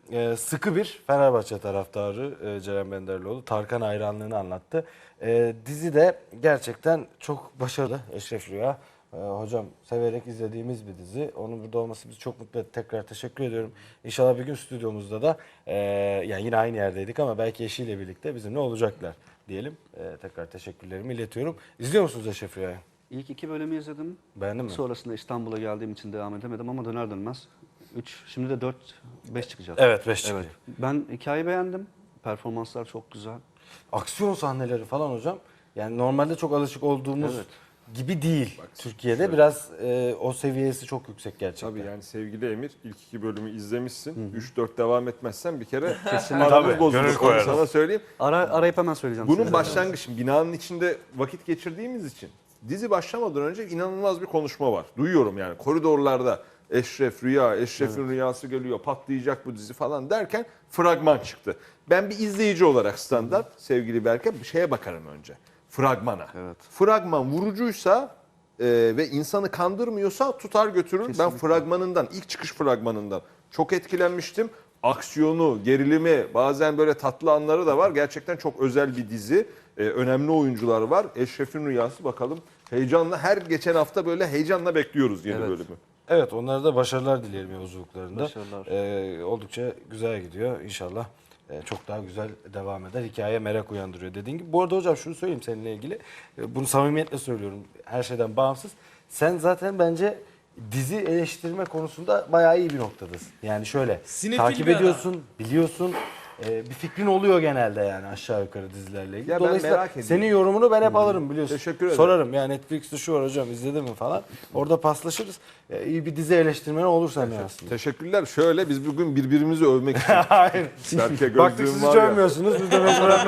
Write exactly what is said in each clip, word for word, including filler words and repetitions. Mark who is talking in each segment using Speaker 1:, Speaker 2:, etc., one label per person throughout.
Speaker 1: e, sıkı bir Fenerbahçe taraftarı e, Ceren Benderlioğlu. Tarkan hayranlığını anlattı. E, dizi de gerçekten çok başarılı. Eşref Rüya. E, hocam severek izlediğimiz bir dizi. Onun burada olması bizi çok mutlu etti. Tekrar teşekkür ediyorum. İnşallah bir gün stüdyomuzda da e, yani yine aynı yerdeydik ama belki eşiyle birlikte bizimle olacaklar diyelim. E, tekrar teşekkürlerimi iletiyorum. İzliyor musunuz Eşref Rüya'yı?
Speaker 2: İlk iki bölümü izledim.
Speaker 1: Beğendin mi?
Speaker 2: Sonrasında İstanbul'a geldiğim için devam edemedim ama döner dönmez üç, şimdi de dört, beş çıkacak.
Speaker 1: Evet, beş çıkıyor.
Speaker 2: Evet. Ben hikayeyi beğendim. Performanslar çok güzel.
Speaker 1: Aksiyon sahneleri falan hocam. Yani normalde çok alışık olduğumuz
Speaker 2: Evet.
Speaker 1: gibi değil.
Speaker 3: Bak,
Speaker 1: Türkiye'de
Speaker 3: şöyle.
Speaker 1: biraz e, o seviyesi çok yüksek gerçekten.
Speaker 3: Tabii yani sevgili Emir ilk iki bölümü izlemişsin. üç dört devam etmezsen bir kere
Speaker 2: Kesinlikle.
Speaker 3: aramız
Speaker 1: Tabii,
Speaker 3: bozulur.
Speaker 1: gönül
Speaker 3: Onu
Speaker 1: koyarız.
Speaker 3: sana söyleyeyim.
Speaker 2: Ara, arayıp hemen söyleyeceğim
Speaker 3: Bunun
Speaker 2: size.
Speaker 3: başlangıcı binanın içinde vakit geçirdiğimiz için dizi başlamadan önce inanılmaz bir konuşma var. Duyuyorum yani koridorlarda Eşref Rüya, Eşref'in evet. rüyası geliyor, patlayacak bu dizi falan derken fragman çıktı. Ben bir izleyici olarak standart sevgili Berke bir şeye bakarım önce. Fragmana.
Speaker 2: Evet.
Speaker 3: Fragman vurucuysa e, ve insanı kandırmıyorsa tutar götürür.
Speaker 2: Kesinlikle.
Speaker 3: Ben fragmanından, ilk çıkış fragmanından çok etkilenmiştim. Aksiyonu, gerilimi, bazen böyle tatlı anları da var. Gerçekten çok özel bir dizi. Ee, önemli oyuncular var. Eşref'in Rüyası bakalım. Heyecanla her geçen hafta böyle heyecanla bekliyoruz yeni
Speaker 2: Evet.
Speaker 3: bölümü.
Speaker 1: Evet, onlara da başarılar dileyelim yolculuklarında.
Speaker 2: Başarılar.
Speaker 1: Ee, oldukça güzel gidiyor. İnşallah e, çok daha güzel devam eder. Hikaye merak uyandırıyor dediğin gibi. Bu arada hocam şunu söyleyeyim seninle ilgili. E, bunu samimiyetle söylüyorum. Her şeyden bağımsız. Sen zaten bence dizi eleştirme konusunda bayağı iyi bir noktadasın. Yani şöyle
Speaker 4: Sinefil
Speaker 1: takip
Speaker 4: bir adam.
Speaker 1: ediyorsun, biliyorsun. e, bir fikrin oluyor genelde yani aşağı yukarı dizilerle ilgili.
Speaker 3: Ya ben
Speaker 1: Dolayısıyla
Speaker 3: merak ediyorum.
Speaker 1: senin yorumunu ben hep alırım biliyorsun.
Speaker 3: Teşekkür ederim.
Speaker 1: Sorarım ya Netflix'te şu var hocam izledin mi falan. Orada paslaşırız. E, iyi bir dizi eleştirmeni olursan ya aslında.
Speaker 3: Teşekkürler. Şöyle biz bugün birbirimizi övmek için.
Speaker 1: Aynen.
Speaker 3: Berke
Speaker 1: Baktık
Speaker 3: gözlüğüm
Speaker 1: siz
Speaker 3: var
Speaker 1: hiç
Speaker 3: ya.
Speaker 1: övmüyorsunuz. Biz de mesela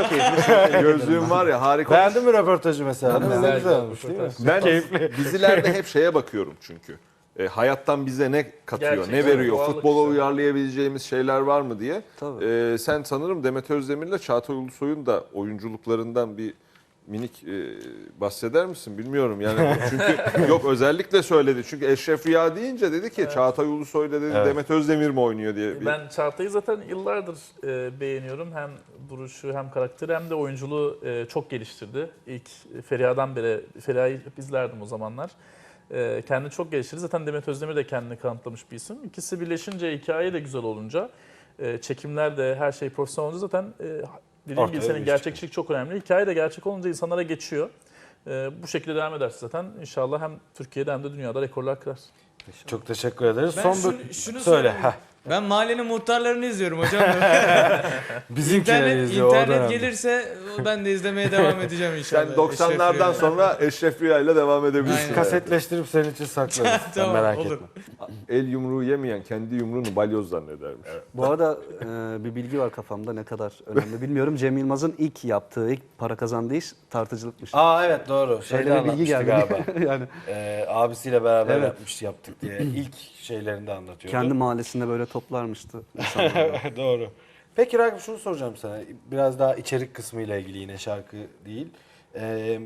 Speaker 3: Gözlüğüm var ya harika.
Speaker 1: Beğendin mi röportajı mesela?
Speaker 4: Güzel,
Speaker 1: Güzel,
Speaker 4: güzel
Speaker 1: olmuş değil mi?
Speaker 3: Ben dizilerde hep şeye bakıyorum çünkü. E, hayattan bize ne katıyor,
Speaker 4: Gerçekten
Speaker 3: ne veriyor,
Speaker 4: doğallık
Speaker 3: futbola
Speaker 4: işte.
Speaker 3: uyarlayabileceğimiz şeyler var mı diye.
Speaker 2: Tabii.
Speaker 3: E, sen sanırım Demet Özdemir'le Çağatay Ulusoy'un da oyunculuklarından bir minik e, bahseder misin bilmiyorum yani çünkü yok özellikle söyledi çünkü Eşref Rüya deyince dedi ki Çağatay Ulusoy'la dedi
Speaker 1: Evet.
Speaker 3: Demet Özdemir mi oynuyor diye. Bir...
Speaker 4: Ben Çağatay'ı zaten yıllardır e, beğeniyorum. Hem duruşu hem karakteri hem de oyunculuğu e, çok geliştirdi. İlk Feriha'dan beri, Feriha'yı hep izlerdim o zamanlar. E, kendini çok geliştirdi. Zaten Demet Özdemir de kendini kanıtlamış bir isim. İkisi birleşince, hikaye de güzel olunca, e, çekimler de her şey profesyonel olunca zaten e, dediğim
Speaker 1: Ortaya
Speaker 4: gibi senin
Speaker 1: bir iş
Speaker 4: gerçekçilik çok önemli. Hikaye de gerçek olunca insanlara geçiyor. E, bu şekilde devam ederse zaten inşallah hem Türkiye'de hem de dünyada rekorlar kırar.
Speaker 1: Çok teşekkür ederiz.
Speaker 4: Ben
Speaker 1: Son
Speaker 4: şunu,
Speaker 1: bir
Speaker 4: şunu
Speaker 1: söyle.
Speaker 4: söyleyeyim.
Speaker 1: Heh.
Speaker 4: Ben mahallenin muhtarlarını izliyorum hocam.
Speaker 1: Bizimkileri
Speaker 4: İnternet,
Speaker 1: izliyor. o
Speaker 4: internet
Speaker 1: dönemde.
Speaker 4: gelirse ben de izlemeye devam edeceğim inşallah.
Speaker 3: Sen doksanlardan
Speaker 4: Eşref Rüya.
Speaker 3: sonra Eşref Rüya ile devam edebilirsin.
Speaker 4: Aynen.
Speaker 1: Kasetleştirip senin için saklarız. Sen
Speaker 4: Tamam,
Speaker 1: merak
Speaker 4: olur.
Speaker 1: etme.
Speaker 3: El yumruğu yemeyen kendi yumruğunu balyoz zannedermiş.
Speaker 2: Bu arada e, bir bilgi var kafamda, ne kadar önemli bilmiyorum. Cem Yılmaz'ın ilk yaptığı, ilk para kazandığı iş tartıcılıkmış.
Speaker 1: Aa evet doğru. Şeyde
Speaker 2: Öyle bir bilgi
Speaker 1: anlatmıştı
Speaker 2: geldi.
Speaker 1: galiba.
Speaker 2: yani
Speaker 1: Ee, abisiyle beraber
Speaker 2: Evet.
Speaker 1: yapmış yaptık diye. İlk şeylerinde anlatıyordu.
Speaker 2: kendi mahallesinde böyle toplarmıştı insanları.
Speaker 1: Doğru. Peki Ragıp şunu soracağım sana. Biraz daha içerik kısmıyla ilgili yine şarkı değil. Ee,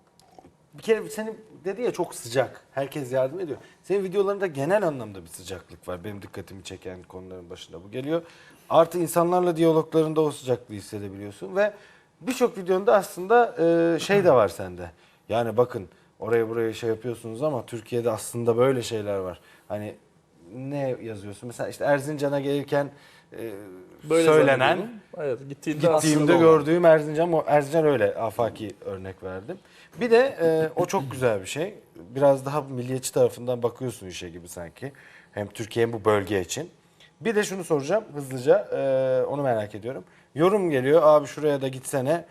Speaker 1: bir kere senin dedi ya çok sıcak. Herkes yardım ediyor. Senin videolarında genel anlamda bir sıcaklık var. Benim dikkatimi çeken konuların başında bu geliyor. Artı insanlarla diyaloglarında o sıcaklığı hissedebiliyorsun ve birçok videonda aslında e, şey de var sende. Yani bakın oraya buraya şey yapıyorsunuz ama Türkiye'de aslında böyle şeyler var. Hani ne yazıyorsun? Mesela işte Erzincan'a gelirken e,
Speaker 4: Böyle
Speaker 1: söylenen,
Speaker 4: zannediyordum. Evet, gittiğinde,
Speaker 1: gittiğimde
Speaker 4: aslında
Speaker 1: gördüğüm Erzincan, o Erzincan öyle afaki örnek verdim. Bir de e, o çok güzel bir şey. Biraz daha milliyetçi tarafından bakıyorsun işe gibi sanki. Hem Türkiye hem bu bölge için. Bir de şunu soracağım hızlıca, e, onu merak ediyorum. Yorum geliyor, abi şuraya da gitsene.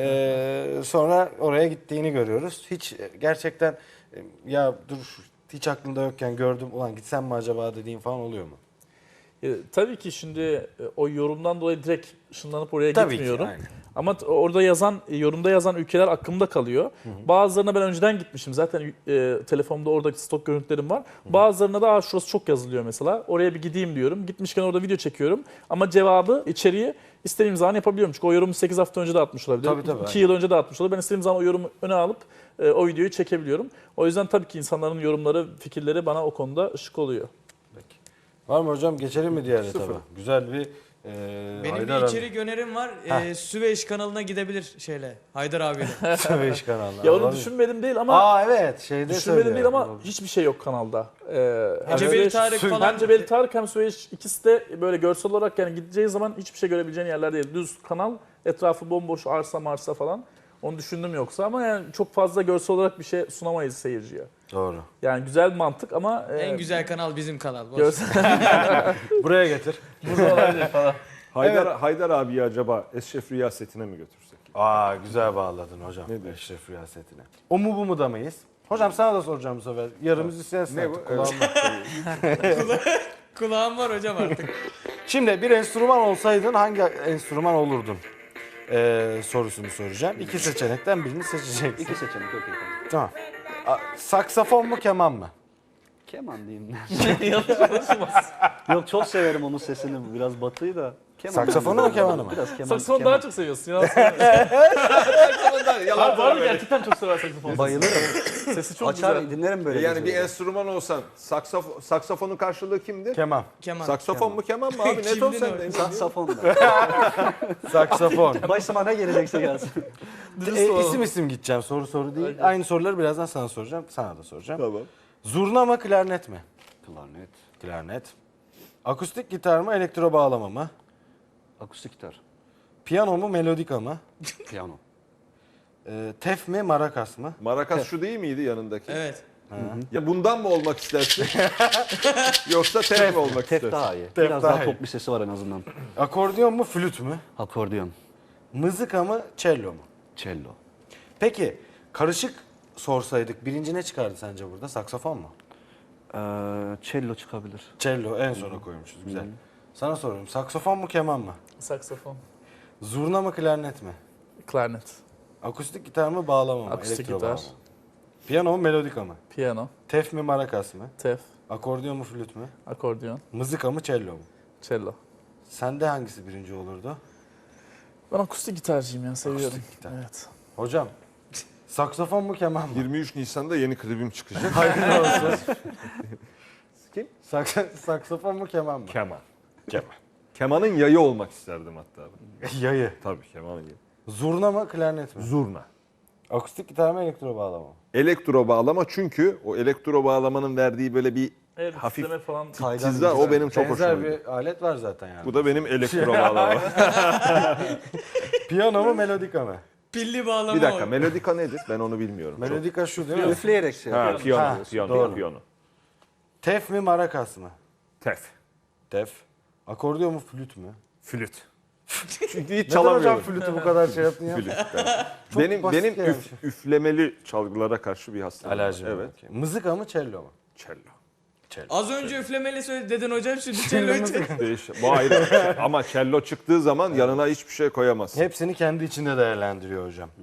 Speaker 1: E, sonra oraya gittiğini görüyoruz. Hiç e, gerçekten e, ya dur hiç aklımda yokken gördüm, ulan gitsem mi acaba dediğin falan oluyor mu?
Speaker 4: E, tabii ki şimdi e, o yorumdan dolayı direkt ışınlanıp oraya
Speaker 1: Tabii ki,
Speaker 4: gitmiyorum.
Speaker 1: aynen.
Speaker 4: Ama t- orada yazan, e, yorumda yazan ülkeler aklımda kalıyor. Hı hı. Bazılarına ben önceden gitmişim. Zaten e, telefonumda oradaki stok görüntülerim var. Hı hı. Bazılarına da şurası çok yazılıyor mesela. Oraya bir gideyim diyorum. Gitmişken orada video çekiyorum. Ama cevabı, içeriği istediğim zaman yapabiliyorum. Çünkü o yorumu sekiz hafta önce de atmış olabilir.
Speaker 1: Tabii, tabii,
Speaker 4: iki
Speaker 1: aynen.
Speaker 4: yıl önce de atmış olabilir. Ben istediğim zaman o yorumu öne alıp e, o videoyu çekebiliyorum. O yüzden tabii ki insanların yorumları, fikirleri bana o konuda ışık oluyor.
Speaker 1: Peki. Var mı hocam? Geçelim mi diğer etaba? Güzel bir e,
Speaker 5: Benim
Speaker 1: Haydar
Speaker 5: bir
Speaker 1: abi-
Speaker 5: içerik önerim var.
Speaker 1: Heh.
Speaker 5: Ee, Süveyş kanalına gidebilir şeyle. Haydar abiyle.
Speaker 1: Süveyş kanalı.
Speaker 4: Ya onu
Speaker 1: Olabilir.
Speaker 4: düşünmedim değil ama
Speaker 1: Aa evet şeyde
Speaker 4: düşünmedim değil
Speaker 1: söylüyor.
Speaker 4: ama hiçbir şey yok kanalda. Ee, hem
Speaker 5: Cebeli
Speaker 4: Süveyş-
Speaker 5: Tarık falan.
Speaker 4: Hem Cebeli Tarık hem Süveyş ikisi de böyle görsel olarak yani gideceği zaman hiçbir şey görebileceğin yerler değil. Düz kanal, etrafı bomboş arsa marsa falan. Onu düşündüm yoksa ama yani çok fazla görsel olarak bir şey sunamayız seyirciye.
Speaker 1: Doğru.
Speaker 4: Yani güzel bir mantık ama e,
Speaker 5: En güzel kanal bizim kanal. Boş.
Speaker 4: görsel
Speaker 1: Buraya getir.
Speaker 4: burada olabilir falan.
Speaker 3: Haydar, Haydar abiyi acaba Eşref Rüya setine mi götürsek?
Speaker 1: Aa güzel bağladın hocam.
Speaker 3: Ne diyor?
Speaker 1: Eşref Riyasetine. O mu bu mu da mıyız? Hocam sana da soracağım bu sefer. Yarımız istersen
Speaker 3: Ne bu?
Speaker 1: artık, kulağımda.
Speaker 5: Kulağım var hocam artık.
Speaker 1: Şimdi bir enstrüman olsaydın hangi enstrüman olurdun? Ee, sorusunu soracağım. İki seçenekten birini seçeceksin.
Speaker 2: İki seçenek okey.
Speaker 1: Tamam.
Speaker 2: Tamam.
Speaker 1: A- saksafon mu keman mı?
Speaker 2: Keman diyeyim. Yok çok severim onun sesini. Biraz batıyı da. Keman
Speaker 1: Saksafonu
Speaker 2: diyeyim.
Speaker 1: mu, kemanı mı?
Speaker 2: Biraz keman.
Speaker 4: Saksafonu
Speaker 2: keman.
Speaker 4: daha çok seviyorsun. Yalan söyleme. Abi bu arada gerçekten çok sever saksafonu.
Speaker 2: Bayılırım.
Speaker 4: Sesi çok
Speaker 2: Açar
Speaker 4: güzel.
Speaker 2: dinlerim böyle.
Speaker 3: Yani bir
Speaker 2: geceleri.
Speaker 3: enstrüman olsan saksaf, saksafonun karşılığı kimdir?
Speaker 1: Keman.
Speaker 5: Kemal.
Speaker 3: Saksafon mu keman mı abi? Net
Speaker 5: Kimdi
Speaker 3: ol
Speaker 5: ne
Speaker 3: sen
Speaker 5: o?
Speaker 3: de.
Speaker 2: Saksafon da.
Speaker 1: Saksafon.
Speaker 2: Başıma ne gelecekse gelsin.
Speaker 1: e, isim isim gideceğim. Soru soru değil. Aynı soruları birazdan sana soracağım. Sana da soracağım.
Speaker 3: Tamam.
Speaker 1: Zurna mı klarnet mi?
Speaker 2: Klarnet.
Speaker 1: Klarnet. Akustik gitar mı elektro bağlama mı?
Speaker 2: Akustik gitar.
Speaker 1: Piyano mu melodika mı?
Speaker 2: Piyano.
Speaker 1: Ee, tef mi marakas mı?
Speaker 3: Marakas şu değil miydi yanındaki?
Speaker 5: Evet.
Speaker 3: Ya bundan mı olmak istersin? Yoksa tef mi olmak
Speaker 2: Tef
Speaker 3: istersin?
Speaker 2: daha iyi.
Speaker 1: Tef
Speaker 2: Biraz
Speaker 1: daha
Speaker 2: daha
Speaker 1: iyi.
Speaker 2: tok bir sesi var en azından.
Speaker 1: Akordeon mu flüt mü?
Speaker 2: Akordeon.
Speaker 1: Mızıka mı cello mu?
Speaker 2: Cello.
Speaker 1: Peki karışık sorsaydık birinci ne çıkardı sence burada? Saksafon mu?
Speaker 2: Ee, cello çıkabilir.
Speaker 1: Cello en sona koymuşuz. Güzel. Sana soruyorum. Saksafon mu keman mı?
Speaker 4: Saksafon.
Speaker 1: Zurna mı klarnet mi?
Speaker 4: Klarnet.
Speaker 1: Akustik gitar mı bağlama mı?
Speaker 4: Akustik
Speaker 1: Elektro
Speaker 4: gitar.
Speaker 1: bağlama mı? Piyano mu melodika mı?
Speaker 4: Piyano.
Speaker 1: Tef mi marakas mı?
Speaker 4: Tef.
Speaker 1: Akordeon mu flüt mü?
Speaker 4: Akordeon.
Speaker 1: Mızıka mı cello mu?
Speaker 4: Cello.
Speaker 1: Sende hangisi birinci olurdu?
Speaker 4: Ben akustik gitarcıyım ya seviyorum.
Speaker 1: Akustik gitar.
Speaker 4: Evet.
Speaker 1: Hocam saksafon mu keman mı?
Speaker 3: yirmi üç Nisan'da yeni klibim çıkacak.
Speaker 1: Hayırlı olsun.
Speaker 3: Kim?
Speaker 1: Saks- saksafon mu keman mı?
Speaker 3: Keman.
Speaker 1: Keman.
Speaker 3: Kemanın yayı olmak isterdim hatta.
Speaker 1: Yayı.
Speaker 3: Tabii kemanın yayı.
Speaker 1: Zurna mı klarnet mi?
Speaker 3: Zurna.
Speaker 1: Akustik gitar mı elektro bağlama mı?
Speaker 3: Elektro bağlama çünkü o elektro bağlamanın verdiği böyle bir
Speaker 4: Evet,
Speaker 3: hafif
Speaker 4: titreme falan.
Speaker 3: tizza o benim çok hoşuma
Speaker 1: Benzer
Speaker 3: gidiyor.
Speaker 1: bir alet var zaten yani.
Speaker 3: Bu da benim elektro bağlama.
Speaker 1: Piyano mu melodika mı?
Speaker 5: Pilli bağlama
Speaker 3: Bir dakika
Speaker 5: o.
Speaker 3: melodika nedir? Ben onu bilmiyorum. Çok.
Speaker 1: Melodika şu değil mi?
Speaker 2: Üfleyerek şey
Speaker 3: Ha,
Speaker 2: yapıyoruz.
Speaker 3: piyano,
Speaker 1: Ha,
Speaker 3: piyano,
Speaker 1: doğru.
Speaker 3: piyano.
Speaker 1: Tef mi marakas mı?
Speaker 3: Tef,
Speaker 1: Tef. Akordeon mu flüt mü?
Speaker 3: flüt. Çünkü hiç
Speaker 1: Neden hocam
Speaker 3: çalamıyorum.
Speaker 1: flütü bu kadar şey yaptın ya?
Speaker 3: Flüt. benim
Speaker 1: basit
Speaker 3: benim
Speaker 1: yani.
Speaker 3: üf- üflemeli çalgılara karşı bir hastalığım var.
Speaker 1: Alerji.
Speaker 3: Evet.
Speaker 1: Evet. Mızıka mı cello mu?
Speaker 3: Cello.
Speaker 5: Az önce üflemeli söyle dedin hocam şimdi cello çek.
Speaker 3: Değiş- Bu ayrı. Ama cello çıktığı zaman yanına hiçbir şey koyamazsın.
Speaker 1: Hepsini kendi içinde değerlendiriyor hocam.